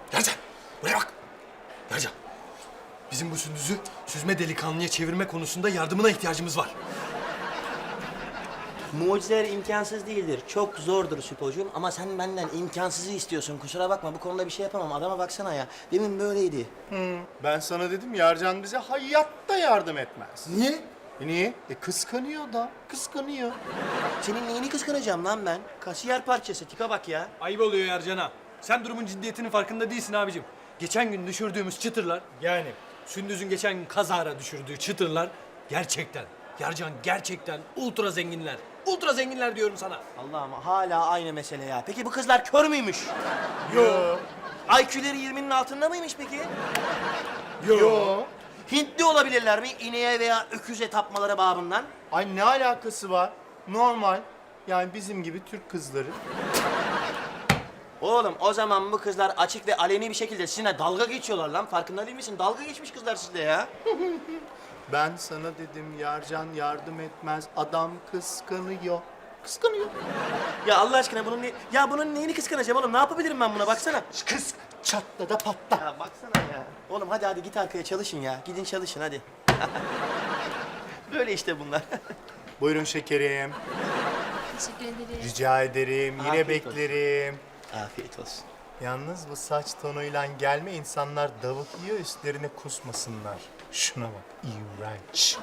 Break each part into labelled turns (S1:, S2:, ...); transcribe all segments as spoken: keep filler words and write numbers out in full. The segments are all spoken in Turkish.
S1: Yarcan, buraya bak. Yarcan, bizim bu Sündüz'ü süzme delikanlıya çevirme konusunda yardımına ihtiyacımız var.
S2: Mucizeler imkansız değildir. Çok zordur Süpocuğum ama sen benden imkansızı istiyorsun. Kusura bakma bu konuda bir şey yapamam. Adama baksana ya. Demin böyleydi.
S3: Ben sana dedim Yarcan bize hayatta yardım etmez.
S1: Niye?
S3: E niye? E kıskanıyor da, kıskanıyor.
S2: Senin neyini kıskanacağım lan ben? Kasiyer parçası. Tipe bak ya.
S1: Ayıp oluyor Yarcan'a. Sen durumun ciddiyetinin farkında değilsin abicim. Geçen gün düşürdüğümüz çıtırlar, yani Sündüz'ün geçen gün kazara düşürdüğü çıtırlar gerçekten, Yarcan gerçekten ultra zenginler. Ultra zenginler diyorum sana.
S2: Allah'ım hala aynı mesele ya. Peki bu kızlar kör müymüş?
S3: Yo.
S2: I Q'leri yirminin altında mıymış peki?
S3: Yo.
S2: Hintli olabilirler mi? İneğe veya öküze tapmaları babından.
S3: Ay ne alakası var? Normal. Yani bizim gibi Türk kızları.
S2: Oğlum o zaman bu kızlar açık ve aleni bir şekilde sizinle dalga geçiyorlar lan. Farkında değil misin? Dalga geçmiş kızlar sizle ya.
S3: Ben sana dedim Yarcan yardım etmez. Adam kıskanıyor. Kıskanıyor.
S2: Ya Allah aşkına bunun ne... Ya bunun neyini kıskanacağım oğlum? Ne yapabilirim ben buna? Baksana.
S3: Kız çatla da patla.
S2: Ya baksana ya. Oğlum hadi hadi git arkaya çalışın ya. Gidin çalışın hadi. Böyle işte bunlar.
S3: Buyurun şekerim.
S4: Teşekkür ederim.
S3: Rica ederim. Yine
S2: Afiyet
S3: beklerim.
S2: Afiyet olsun.
S3: Yalnız bu saç tonuyla gelme insanlar davuk yiyor üstlerine kusmasınlar. Şuna bak. İğrenç.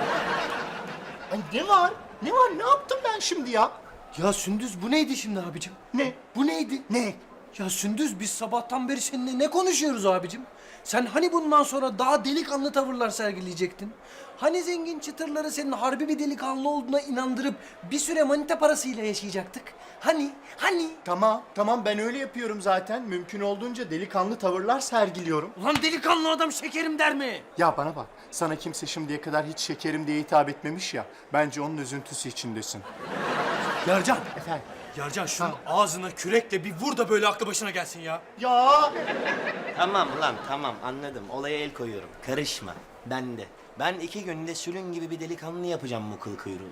S3: Ay ne var? Ne var? Ne yaptım ben şimdi ya?
S1: Ya Sündüz bu neydi şimdi abicim?
S3: Ne?
S1: Bu neydi?
S3: Ne?
S1: Ya Sündüz biz sabahtan beri seninle ne konuşuyoruz abicim? Sen hani bundan sonra daha delikanlı tavırlar sergileyecektin? Hani zengin çıtırları senin harbi bir delikanlı olduğuna inandırıp bir süre manita parasıyla yaşayacaktık? Hani? Hani?
S3: Tamam, tamam ben öyle yapıyorum zaten. Mümkün olduğunca delikanlı tavırlar sergiliyorum.
S1: Ulan delikanlı adam şekerim der mi?
S3: Ya bana bak, sana kimse şimdiye kadar hiç şekerim diye hitap etmemiş ya. Bence onun üzüntüsü içindesin.
S1: Yarcan.
S3: Efendim?
S1: Yarcan şunun ağzına kürekle bir vur da böyle aklı başına gelsin ya.
S3: Ya!
S2: Tamam lan tamam anladım. Olaya el koyuyorum. Karışma. Ben de. Ben iki günde sülün gibi bir delikanlı yapacağım bu kıl kuyruğu.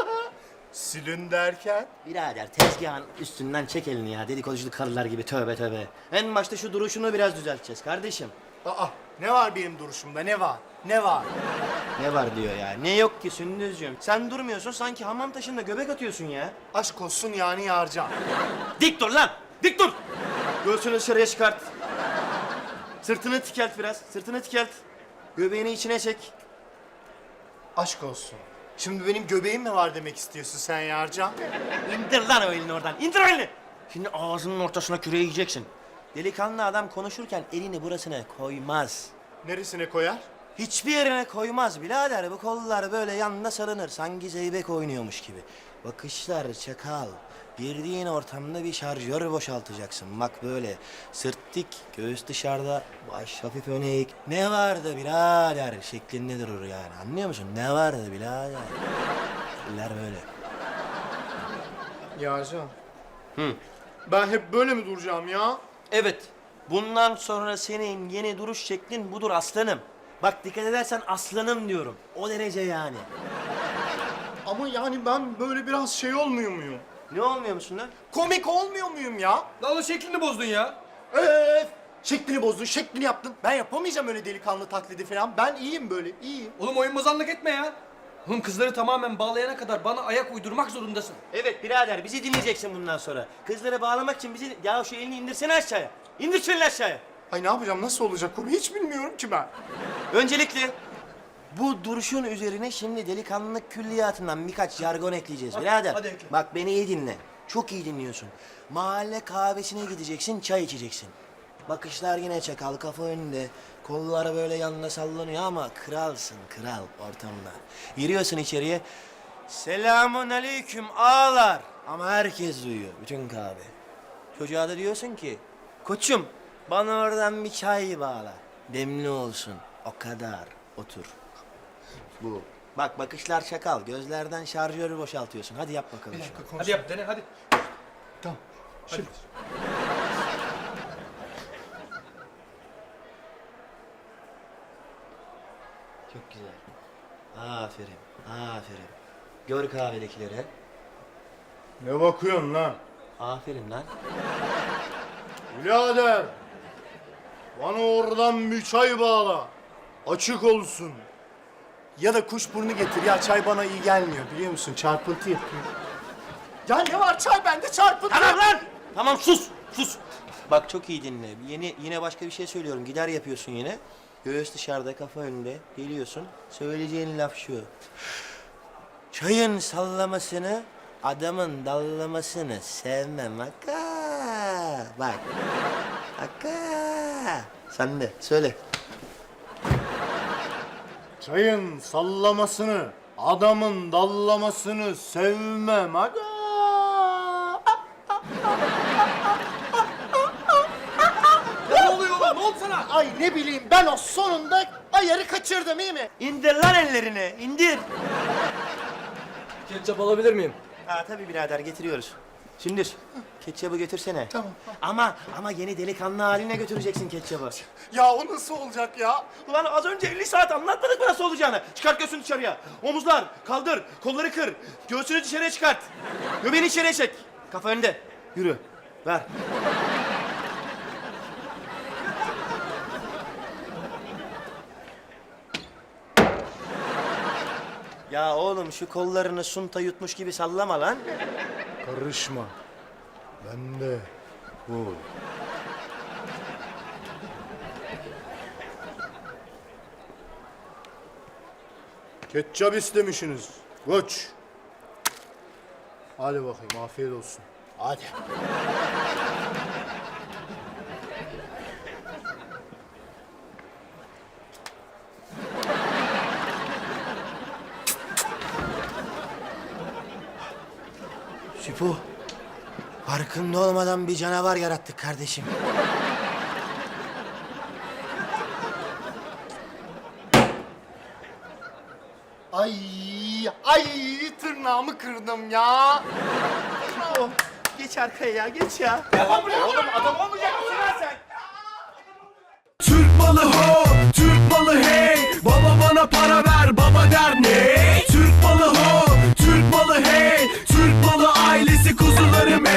S3: Sülün derken?
S2: Birader tezgahın üstünden çek elini ya. Dedikoducu karılar gibi tövbe tövbe. En başta şu duruşunu biraz düzelteceğiz kardeşim.
S3: Aa, ne var benim duruşumda, ne var? Ne var?
S2: Ne var diyor ya. Ne yok ki Sündüzcüğüm. Sen durmuyorsun sanki hamam taşında göbek atıyorsun ya.
S3: Aşk olsun yani Yarcan.
S2: Dik dur lan! Dik dur! Göğsünü dışarıya çıkart. Sırtını tikelt biraz. Sırtını tikelt. Göbeğini içine çek.
S3: Aşk olsun. Şimdi benim göbeğim mi var demek istiyorsun sen Yarcan?
S2: İndir lan o elini oradan. İndir o elini. Şimdi ağzının ortasına küreği yiyeceksin. Delikanlı adam konuşurken elini burasına koymaz.
S3: Neresine koyar?
S2: Hiçbir yerine koymaz birader. Bu kollar böyle yanına sarınır. Sanki zeybek oynuyormuş gibi. Bakışlar çakal. Girdiğin ortamda bir şarjör boşaltacaksın. Bak böyle sırt dik, göğüs dışarıda, baş hafif öne eğik. Ne vardı birader şeklinde durur yani. Anlıyor musun? Ne vardı birader? Eller böyle.
S3: Yarcan.
S2: Hı.
S3: Ben hep böyle mi duracağım ya?
S2: Evet. Bundan sonra senin yeni duruş şeklin budur aslanım. Bak dikkat edersen aslanım diyorum. O derece yani.
S3: Ama yani ben böyle biraz şey olmuyor muyum?
S2: Ne olmuyor musun lan?
S3: Komik olmuyor muyum ya?
S1: Lan o şeklini bozdun ya.
S3: Öf! Şeklini bozdun, şeklini yaptın. Ben yapamayacağım öyle delikanlı taklidi falan. Ben iyiyim böyle, iyiyim.
S1: Oğlum oyun bozanlık etme ya. Oğlum kızları tamamen bağlayana kadar bana ayak uydurmak zorundasın.
S2: Evet birader bizi dinleyeceksin bundan sonra. Kızları bağlamak için bizi... Ya şu elini indirsene aşağıya. İndir şu elini aşağıya.
S3: Ay ne yapacağım, nasıl olacak o? Hiç bilmiyorum ki ben.
S2: Öncelikle bu duruşun üzerine şimdi delikanlılık külliyatından birkaç jargon ekleyeceğiz birader.
S1: hadi ekle.
S2: Bak beni iyi dinle. Çok iyi dinliyorsun. Mahalle kahvesine gideceksin, çay içeceksin. Bakışlar yine çakal, kafa önünde. Kolları böyle yanına sallanıyor ama kralsın, kral ortamda. Giriyorsun içeriye. Selamun aleyküm ağalar. Ama herkes duyuyor, bütün kahve. Çocuğa da diyorsun ki, koçum bana oradan bir çay bağla. Demli olsun, o kadar. Otur. Bu. Bak bakışlar çakal, gözlerden şarjörü boşaltıyorsun. Hadi yap bakalım şunu.
S1: Hadi yap dene hadi.
S3: Tamam.
S1: Hadi.
S2: Çok güzel. Aferin, aferin. Gör kahvedekilere.
S3: Ne bakıyorsun lan?
S2: Aferin lan.
S3: Birader! Bana oradan bir çay bağla. Açık olsun. Ya da kuşburnu getir. Ya çay bana iyi gelmiyor biliyor musun? Çarpıntı yapıyor. Ya ne var çay bende çarpıntı.
S2: Tamam lan! Tamam sus, sus. Bak çok iyi dinle. Yeni, yine başka bir şey söylüyorum. Gider yapıyorsun yine. Göğüs dışarıda, kafa önünde. Geliyorsun. Söyleyeceğin laf şu. Çayın sallamasını, adamın dallamasını sevmem akka. Bak. Akka. Sen de söyle.
S3: Çayın sallamasını, adamın dallamasını sevmem aga.
S1: Ne oluyor lan? Ne oldu sana?
S3: Ay ne bileyim ben o sonunda ayarı kaçırdım iyi mi?
S2: İndir lan ellerini, indir.
S1: Ketçap alabilir miyim?
S2: Ha tabii birader getiriyoruz. Sündür, ketçabı götürsene.
S3: Tamam.
S2: Ama ama yeni delikanlı haline götüreceksin ketçabı.
S3: Ya o nasıl olacak ya?
S2: Ulan az önce elli saat anlatmadık mı nasıl olacağını? Çıkart göğsünü dışarıya. Omuzlar, kaldır, kolları kır. Göğsünü dışarıya çıkart. Göbeğini içeriye çek. Kafa önde. Yürü. Ver. Ya oğlum şu kollarını sunta yutmuş gibi sallama lan.
S3: Karışma. Ben de bu. Ketçap istemişsiniz. Koç. Hadi bakayım afiyet olsun. Hadi.
S2: Süpo. Farkında olmadan bir canavar yarattık kardeşim.
S3: Ay, ay tırnağımı kırdım ya.
S2: Geç arkaya ya, geç ya.
S3: Oğlum adam olmayacak mısın lan sen?
S5: Türk malı ho, Türk malı hey. Baba bana para ver.